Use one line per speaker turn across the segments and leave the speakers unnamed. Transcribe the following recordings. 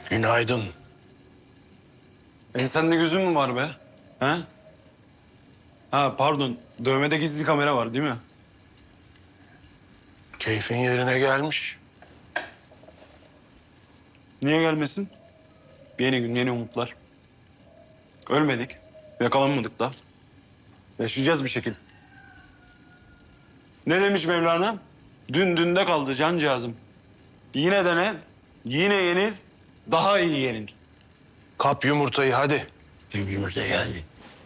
Günaydın.
Sende gözün mü var be? He? Ha pardon. Dövmede gizli kamera var değil mi?
Keyfin yerine gelmiş.
Niye gelmesin? Yeni gün, yeni umutlar. Ölmedik. Yakalanmadık da. Yaşayacağız bir şekilde. Ne demiş Mevlana? Dün dünde kaldı cancağızım. Yine dene, yine yenil, daha iyi yenil.
Kap yumurtayı hadi.
Yumurta geldi.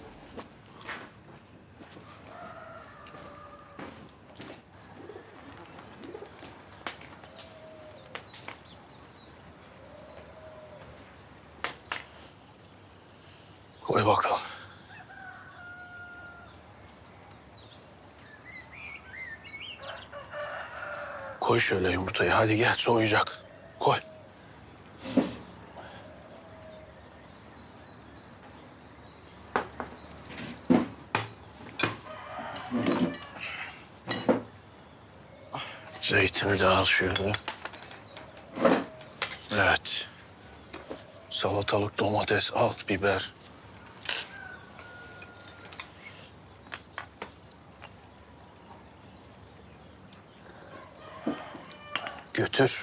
Koy bakalım. Koy şöyle yumurtayı. Hadi gel soğuyacak. Koy. Zeytini de al şöyle. Evet. Salatalık, domates, al, biber. Götür.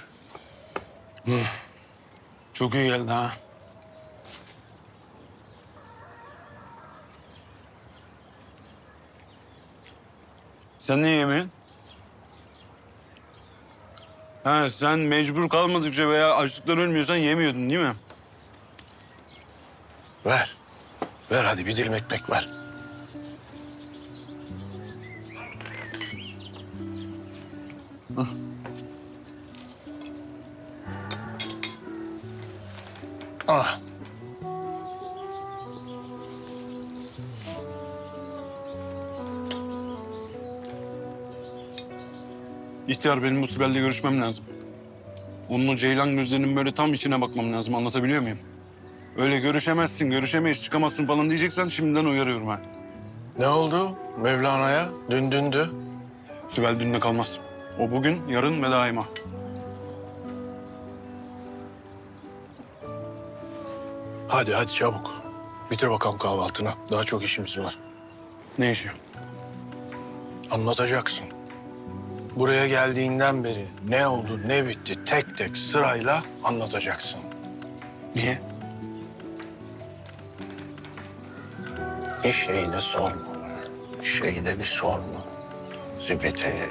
Çok iyi geldi ha. Sen niye yemiyorsun? Ha, sen mecbur kalmadıkça veya açlıktan ölmüyorsan yemiyordun değil mi?
Ver. Ver hadi bir dilim ekmek ver. Ah.
İhtiyar benim bu Sibel'le görüşmem lazım. Onun o ceylan gözlerinin böyle tam içine bakmam lazım. Anlatabiliyor muyum? Öyle görüşemezsin, görüşemeyiz, çıkamazsın falan diyeceksen şimdiden uyarıyorum ha.
Ne oldu Mevlana'ya? Dün dündü.
Sibel dünle kalmaz. O bugün, yarın ve daima.
Hadi hadi çabuk. Bitir bakalım kahvaltını. Daha çok işimiz var.
Ne işi?
Anlatacaksın. Buraya geldiğinden beri ne oldu ne bitti tek tek sırayla anlatacaksın.
Niye?
Bir şey de sorma. Şey de bir sorma. Zibiti.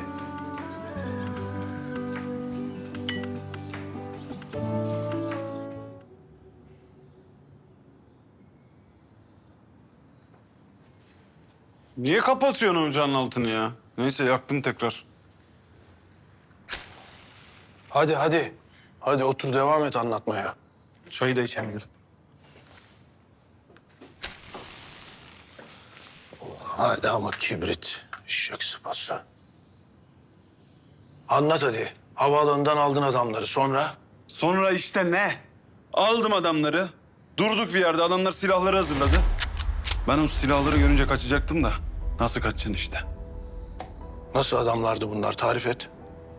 Niye kapatıyorsun ocağın altını ya? Neyse yaktım tekrar.
Hadi hadi. Hadi otur devam et anlatmaya.
Çayı da içemedim.
Hala mı kibrit? Eşek sıpası. Anlat hadi. Havaalanından aldın adamları sonra?
Sonra işte ne? Aldım adamları. Durduk bir yerde adamlar silahları hazırladı. Ben o silahları görünce kaçacaktım da. Nasıl kaçacaksın işte?
Nasıl adamlardı bunlar tarif et.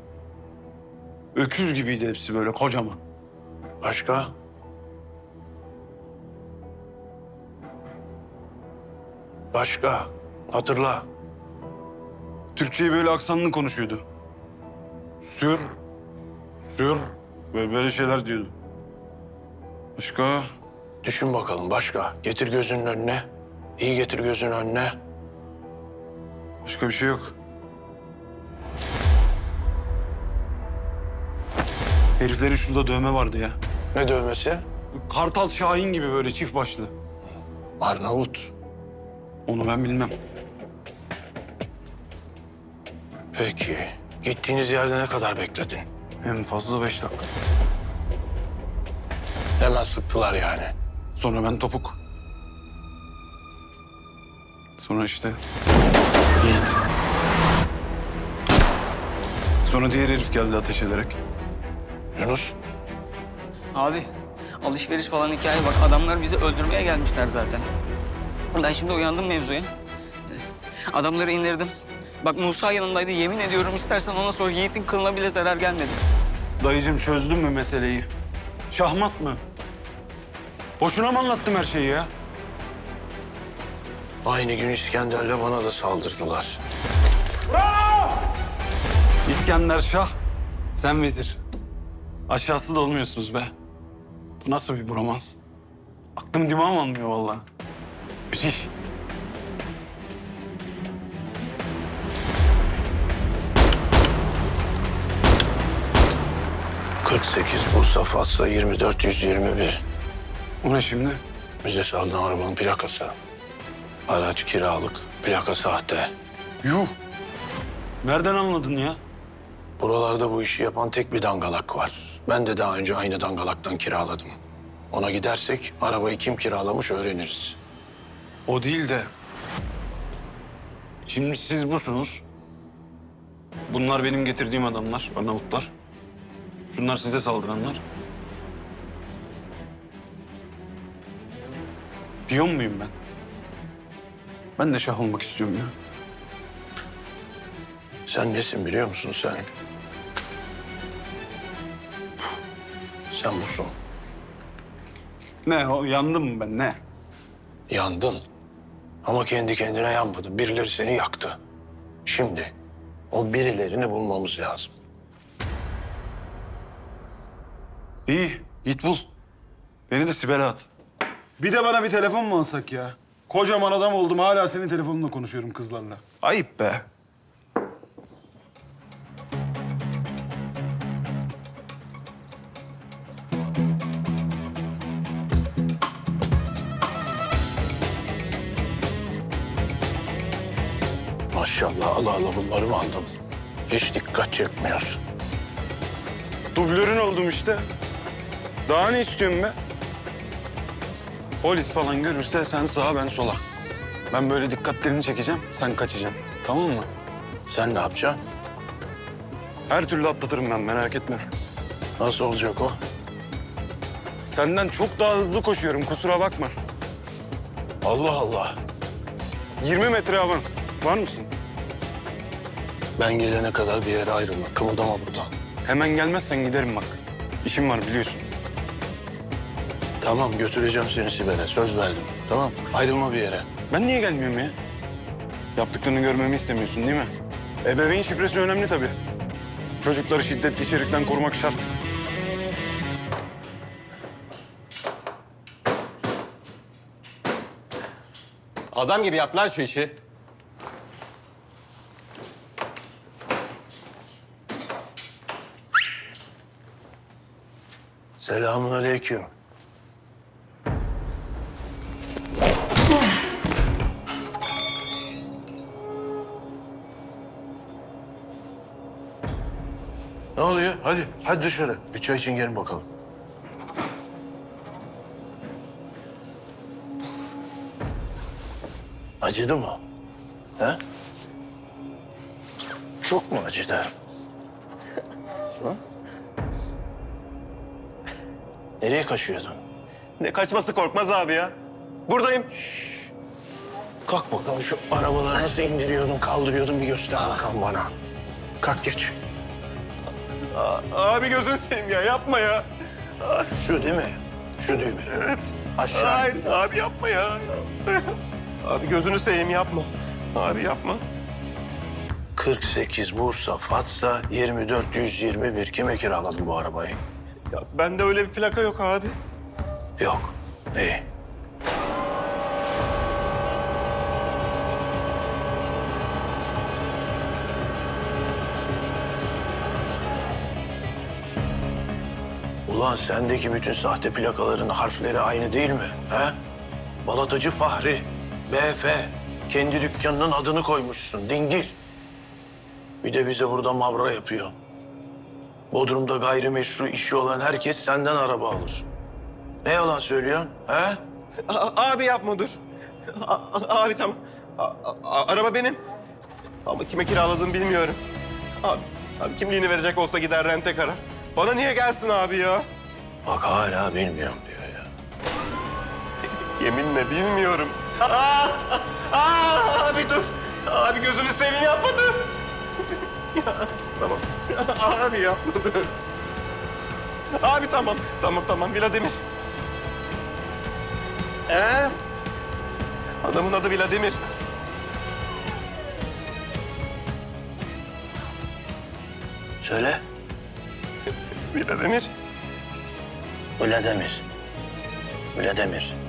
Öküz gibiydi hepsi böyle kocaman.
Başka? Başka? Hatırla.
Türkçeyi böyle aksanlı konuşuyordu. Sür, sür böyle şeyler diyordu. Başka?
Düşün bakalım başka. Getir gözünün önüne. İyi getir gözünün önüne.
Başka bir şey yok. Heriflerin şurada dövme vardı ya.
Ne dövmesi?
Kartal Şahin gibi böyle çift başlı.
Arnavut.
Onu ben bilmem.
Peki. Gittiğiniz yerde ne kadar bekledin?
En fazla 5 dakika.
Hemen sıktılar yani.
Sonra ben topuk. Sonra işte Yiğit. Sonra diğer herif geldi ateş ederek.
Yunus.
Abi alışveriş falan hikaye bak adamlar bizi öldürmeye gelmişler zaten. Ben şimdi uyandım mevzuya. Adamları indirdim. Bak Musa yanımdaydı yemin ediyorum istersen ona sor Yiğit'in kılına bile zarar gelmedi.
Dayıcığım çözdün mü meseleyi? Şahmat mı? Boşuna mı anlattım her şeyi ya?
Aynı gün İskender'le bana da saldırdılar.
İskender Şah, sen vezir. Aşağısı da olmuyorsunuz be. Bu nasıl bir bromans? Aklım dimağım almıyor vallahi. Müthiş.
...48 Bursa Fatsa 24121.
O ne şimdi?
Bize saldıran arabanın plakası. Araç kiralık, plaka sahte.
Yuh! Nereden anladın ya?
Buralarda bu işi yapan tek bir dangalak var. Ben de daha önce aynı dangalaktan kiraladım. Ona gidersek arabayı kim kiralamış öğreniriz.
O değil de... Şimdi siz busunuz. Bunlar benim getirdiğim adamlar, Arnavutlar. Şunlar size saldıranlar. Piyon muyum ben? Ben de şah olmak istiyorum ya.
Sen nesin biliyor musun sen? Sen busun.
Ne o? Yandım mı ben ne?
Yandın. Ama kendi kendine yanmadın. Birileri seni yaktı. Şimdi o birilerini bulmamız lazım.
İyi git bul. Beni de Sibel'e at.
Bir de bana bir telefon mu alsak ya? Kocaman adam oldum hala senin telefonunla konuşuyorum kızlarla.
Ayıp be.
Maşallah Allah Allah bunları mı aldın? Hiç dikkat çekmiyorsun.
Dublörün oldum işte. Daha ne istiyorsun be? Polis falan görürse sen sağa ben sola. Ben böyle dikkatlerini çekeceğim, sen kaçacaksın. Tamam mı?
Sen ne yapacaksın?
Her türlü atlatırım ben, merak etme.
Nasıl olacak o?
Senden çok daha hızlı koşuyorum, kusura bakma.
Allah Allah.
20 metre avans. Var mısın?
Ben gelene kadar bir yere ayrılma. Kımıldama buradan.
Hemen gelmezsen giderim bak. İşim var biliyorsun.
Tamam götüreceğim seni Sibel'e. Söz verdim. Tamam ayrılma bir yere.
Ben niye gelmiyorum ya? Yaptıklarını görmemi istemiyorsun değil mi? Ebeveyn şifresi önemli tabii. Çocukları şiddetli içerikten korumak şart.
Adam gibi yap lan şu işi.
Selamünaleyküm. Ne oluyor? Hadi dışarı. Bir çay için gelin bakalım. Acıdı mı? He? Çok mu acıdı? Ha? Nereye kaçıyordun?
Ne kaçması Korkmaz abi ya. Buradayım.
Kalk bakalım şu arabaları nasıl indiriyordun, kaldırıyordun bir göster bakalım bana. Kalk geç.
Abi gözünü seveyim ya yapma ya.
Şu değil mi? Şu değil mi?
Evet.
Aşağı.
Hayır abi yapma ya. Abi gözünü seveyim yapma. Abi yapma.
48 Bursa Fatsa 24121. Kime kiraladın bu arabayı?
Ya bende öyle bir plaka yok abi.
Yok. İyi. Ulan sendeki bütün sahte plakaların harfleri aynı değil mi? He? Balatacı Fahri, BF. Kendi dükkanının adını koymuşsun, dingil. Bir de bize burada mavra yapıyor. Bodrum'da gayrimeşru işi olan herkes senden araba alır. Ne yalan söylüyorsun, he?
Abi yapma dur. Abi tamam. Araba benim. Ama kime kiraladığımı bilmiyorum. Abi kimliğini verecek olsa gider rente karar. Bana niye gelsin abi ya?
Bak hala bilmiyorum diyor ya.
Yeminle bilmiyorum. Abi dur. Abi gözünü seveyim yapma dur. Ya, tamam. Abi yapma dur. Abi tamam. Tamam Vladimir. Adamın adı Vladimir.
Söyle.
Vladimir.
Vladimir. Vladimir.